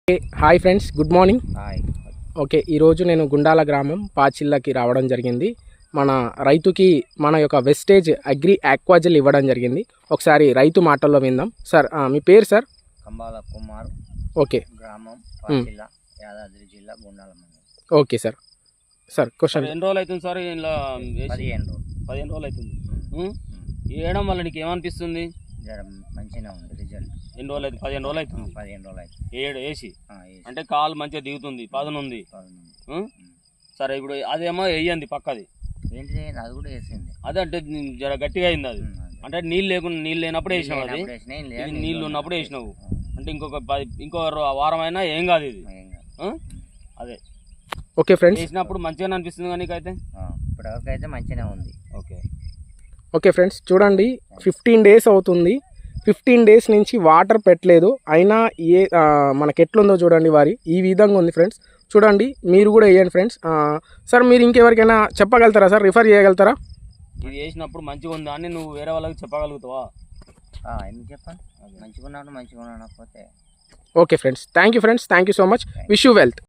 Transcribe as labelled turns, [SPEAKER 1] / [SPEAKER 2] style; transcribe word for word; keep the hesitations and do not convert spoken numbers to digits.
[SPEAKER 1] Hi friends, good morning.
[SPEAKER 2] Hi.
[SPEAKER 1] Okay, ఈరోజు నేను గుండాల గ్రామం పాచిల్లకి రావడం జరిగింది. మన రైతుకి మన యొక్క వెస్టేజ్ అగ్రి ఆక్వాజెల్ ఇవ్వడం జరిగింది. ఒకసారి రైతు మాటల్లో విందాం. సార్, మీ పేరు సార్?
[SPEAKER 2] కంబాల కుమార్.
[SPEAKER 1] ఓకే.
[SPEAKER 2] గ్రామం పాచిల్ల, యాదాద్రి జిల్లా, గుండాల మండలం.
[SPEAKER 1] Okay sir. Sir question.
[SPEAKER 3] ఎన్ని రోజులు అవుతుంది సార్? ఇలా
[SPEAKER 2] పదిహేను రోజులు
[SPEAKER 3] పదిహేను రోజులు అవుతుంది. వేయడం వల్ల నీకు ఏమనిపిస్తుంది?
[SPEAKER 2] జర మంచిగా ఉంది రిజల్ట్.
[SPEAKER 3] ఎన్ని రోజులు అవుతుంది? పదిహేను రోజులు అవుతుంది.
[SPEAKER 2] పదిహేను రోజులు అవుతుంది
[SPEAKER 3] ఏడు వేసి
[SPEAKER 2] ఆ, వేసి.
[SPEAKER 3] అంటే కాలు మంచిగా దిగుతుంది, పదనుంది.
[SPEAKER 2] పదిహేను.
[SPEAKER 3] ఉం? సరే, ఇప్పుడు అదేమో వేయండి పక్కది.
[SPEAKER 2] ఏంటిది? అది కూడా వేసింది.
[SPEAKER 3] అదే అంటే జర గట్టిగా అయింది అది.
[SPEAKER 2] ఉమ్, అదే.
[SPEAKER 3] అంటే నీళ్ళు లేకుండా నీళ్ళు లేనప్పుడు వేసినావు. అది
[SPEAKER 2] లేనప్పుడు వేసినా, ఏం లేదు,
[SPEAKER 3] ఇది
[SPEAKER 2] నీళ్ళు
[SPEAKER 3] నీళ్ళు ఉన్నప్పుడు
[SPEAKER 2] ఉన్నప్పుడు
[SPEAKER 3] వేసినావు.
[SPEAKER 2] వేసినా.
[SPEAKER 3] అంటే ఇంకొక పది ఇంకో రో- వారం అయినా ఏం కాదు ఇది.
[SPEAKER 2] ఏం కాదు.
[SPEAKER 3] ఉం? అదే
[SPEAKER 1] ఓకే ఫ్రెండ్స్.
[SPEAKER 3] వేసినప్పుడు మంచిగానే అనిపిస్తుంది. కానీ నీకైతే
[SPEAKER 2] ఆ, ఇప్పటివరకు అయితే మంచిగానే ఉంది.
[SPEAKER 3] ఓకే.
[SPEAKER 1] ఓకే ఫ్రెండ్స్, చూడండి, ఫిఫ్టీన్ డేస్ అవుతుంది. ఫిఫ్టీన్ డేస్ నుంచి వాటర్ పెట్టలేదు, అయినా ఏ ఆ, మనకి ఎట్లుందో చూడండి. వారి ఈ విధంగా ఉంది ఫ్రెండ్స్. చూడండి, మీరు కూడా వేయండి ఫ్రెండ్స్. ఆ, సార్, మీరు ఇంకెవరికైనా చెప్పగలుగుతారా సార్? రిఫర్ చేయగలుగుతారా?
[SPEAKER 3] ఇది వేసినప్పుడు మంచిగా ఉందా అని నువ్వు వేరే వాళ్ళకి చెప్పగలుగుతావా?
[SPEAKER 2] ఆ, ఎందుకు చెప్పండి, మంచిగా ఉన్నాడు మంచిగా ఉన్నాడు పోతే.
[SPEAKER 1] Okay friends, thank you friends, thank you so much. Wish you wealth.